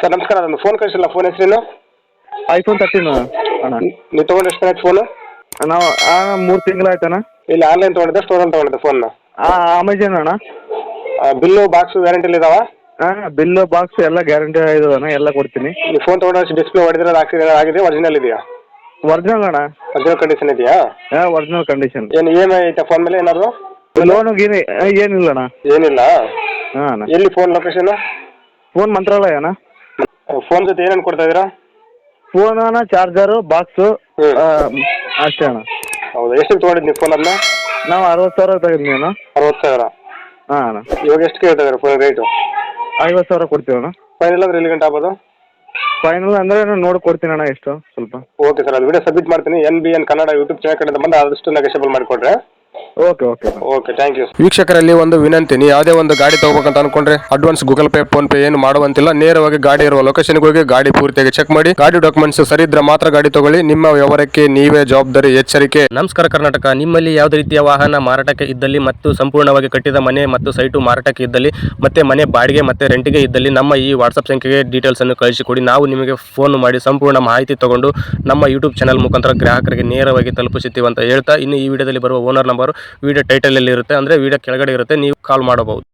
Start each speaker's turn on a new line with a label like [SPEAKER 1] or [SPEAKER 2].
[SPEAKER 1] Sir ನಮಸ್ಕಾರ, ಅದನ್ನು phone ಕಳಿಸಿಲ್ಲ. ಫೋನ್ ಹೆಸರೇನು?
[SPEAKER 2] ಐಫೋನ್ 13 ಅಣ್ಣ.
[SPEAKER 1] ನೀವು ತೊಗೊಂಡು ಎಷ್ಟು ಆಯ್ತು ಫೋನು?
[SPEAKER 2] ನಾವು 3 ತಿಂಗಳಾಯ್ತಣ್ಣ.
[SPEAKER 1] ಇಲ್ಲ, ಆನ್ಲೈನ್ ತೊಗೊಂಡಿದ್ದೆ, ಸ್ಟೋರಲ್ಲಿ ತೊಗೊಂಡಿದ್ದೆ ಫೋನ್ನ?
[SPEAKER 2] ಅಮೆಜಾನ್ ಅಣ್ಣ.
[SPEAKER 1] ಬಿಲ್ಲು ಬಾಕ್ಸು ವ್ಯಾರಂಟಿಲಿ ಇದಾವ?
[SPEAKER 2] ಬಿಲ್ಲು ಬಾಕ್ಸ್ ಎಲ್ಲ ಗ್ಯಾರಂಟಿ ಇದಾವಣ್ಣ, ಎಲ್ಲ ಕೊಡ್ತೀನಿ.
[SPEAKER 1] ನೀವು ಫೋನ್ ತೊಗೊಂಡು ಡಿಸ್ಪ್ಲೇ ಹೊಡೆದಿರೋದು ಆಕ್ಸಿಡೆಂಟ್ ಆಗಿದೆ, ಒರಿಜಿನಲ್ ಇದೆಯಾ?
[SPEAKER 2] ಒರಿಜಿನಲ್ ಅಣ್ಣ.
[SPEAKER 1] ಒರಿಜಿನಲ್ ಕಂಡೀಷನ್ ಇದೆಯಾ?
[SPEAKER 2] Original condition.
[SPEAKER 1] ಏನು EMI ಐತಾ ಫೋನ್ ಮೇಲೆ ಏನಾದ್ರು?
[SPEAKER 2] ಲೋನು ಗೀನು ಏನಿಲ್ಲ ಅಣ್ಣ.
[SPEAKER 1] ಏನಿಲ್ಲ?
[SPEAKER 2] ಹಾಂ ಅಣ್ಣ.
[SPEAKER 1] ಎಲ್ಲಿ ಫೋನ್ ಲೊಕೇಶನ್?
[SPEAKER 2] ಫೋನ್ ಮಂತ್ರಾಲಯ ಅಣ್ಣ.
[SPEAKER 1] ಫೋನ್ ಜೊತೆ ಏನೇನು ಕೊಡ್ತಾ ಇದ್ದೀರಾ?
[SPEAKER 2] ಫೋನ್ ಅಣ್ಣ, ಚಾರ್ಜರು, ಬಾಕ್ಸು ಅಷ್ಟೇ ಅಣ್ಣ.
[SPEAKER 1] ಹೌದಾ, ಎಷ್ಟು ತೊಗೊಂಡಿದ್ದು ನೀವು ಫೋನ್ ಅದನ್ನ?
[SPEAKER 2] ನಾವು 60,000 ತೆಗೆದ್ವಿ ಅಣ್ಣ.
[SPEAKER 1] 60,000?
[SPEAKER 2] ಹಾಂ ಅಣ್ಣ.
[SPEAKER 1] ಇವಾಗ ಎಷ್ಟು ಕೇಳ್ತಾ ಇದ್ದಾರೆ ಫೋನ್ ರೇಟು?
[SPEAKER 2] 50,000 ಕೊಡ್ತೀವಿ ಅಣ್ಣ.
[SPEAKER 1] ಫೈನಲ್ ಅಂದ್ರೆ ಎಲ್ಲಿ ಗಂಟೆ ಆಗ್ಬೋದು?
[SPEAKER 2] ಫೈನಲ್ ಅಂದರೆ ನೋಡಿ ಕೊಡ್ತೀನಿ ಅಣ್ಣ, ಎಷ್ಟು ಸ್ವಲ್ಪ.
[SPEAKER 1] ಓಕೆ ಸರ್, ಅದು ವಿಡಿಯೋ ಸಬ್ಮಿಟ್ ಮಾಡ್ತೀನಿ. NBN ಕನ್ನಡ ಯೂಟ್ಯೂಬ್ ಚಾನಲ್ ಕಡೆಯಿಂದ ಬಂದು ಆದಷ್ಟು ನೆಗೋಷಿಯಬಲ್ ಮಾಡಿಕೊಡ್ರೆ.
[SPEAKER 2] Okay okay
[SPEAKER 1] okay, thank you.
[SPEAKER 3] ವೀಕ್ಷಕರಲ್ಲಿ ಒಂದು ವಿನಂತಿ, ನೀವು ಯಾವುದೇ ಒಂದು ಗಾಡಿ ತಗೋಬೇಕಂತ ಅನ್ಕೊಂಡ್ರೆ advance Google Pay PhonePe ಏನು ಮಾಡುವಂತಿಲ್ಲ. ನೇರವಾಗಿ ಗಾಡಿ ಇರುವ ಲೊಕೇಶನ್ಗೆ ಹೋಗಿ ಗಾಡಿ ಪೂರ್ತಿಯಾಗಿ ಚೆಕ್ ಮಾಡಿ, ಗಾಡಿ ಡಾಕ್ಯುಮೆಂಟ್ಸ್ ಸರಿ ಇದ್ರೆ ಮಾತ್ರ ಗಾಡಿ ತಗೊಳ್ಳಿ. ನಿಮ್ಮ ವ್ಯವಹಾರಕ್ಕೆ ನೀವೇ ಜವಾಬ್ದಾರಿ, ಎಚ್ಚರಿಕೆ.
[SPEAKER 4] ನಮಸ್ಕಾರ ಕರ್ನಾಟಕ. ನಿಮ್ಮಲ್ಲಿ ಯಾವುದೇ ರೀತಿಯ ವಾಹನ ಮಾರಾಟಕ್ಕೆ ಇದ್ದಲ್ಲಿ ಮತ್ತು ಸಂಪೂರ್ಣವಾಗಿ ಕಟ್ಟಿದ ಮನೆ ಮತ್ತು ಸೈಟು ಮಾರಾಟಕ್ಕೆ ಇದ್ದಲ್ಲಿ ಮತ್ತೆ ಮನೆ ಬಾಡಿಗೆ ಮತ್ತು ರೆಂಟಿಗೆ ಇದ್ದಲ್ಲಿ ನಮ್ಮ ಈ ವಾಟ್ಸಪ್ ಸಂಖ್ಯೆಗೆ ಡೀಟೇಲ್ಸ್ ಅನ್ನು ಕಳಿಸಿಕೊಡಿ. ನಾವು ನಿಮಗೆ ಫೋನ್ ಮಾಡಿ ಸಂಪೂರ್ಣ ಮಾಹಿತಿ ತಗೊಂಡು ನಮ್ಮ ಯೂಟ್ಯೂಬ್ ಚಾನಲ್ ಮುಖಾಂತರ ಗ್ರಾಹಕರಿಗೆ ನೇರವಾಗಿ ತಲುಪಿಸುತ್ತೀವಿ ಅಂತ ಹೇಳ್ತಾ, ಇನ್ನು ಈ ವಿಡಿಯೋದಲ್ಲಿ ಬರುವ ಓನರ್ ನಂಬರ್ ವಿಡಿಯೋ ಟೈಟಲ್ ಅಲ್ಲಿ ಇರುತ್ತೆ, ಅಂದ್ರೆ ವಿಡಿಯೋ ಕೆಳಗಡೆ ಇರುತ್ತೆ, ನೀವು ಕಾಲ್ ಮಾಡಬಹುದು.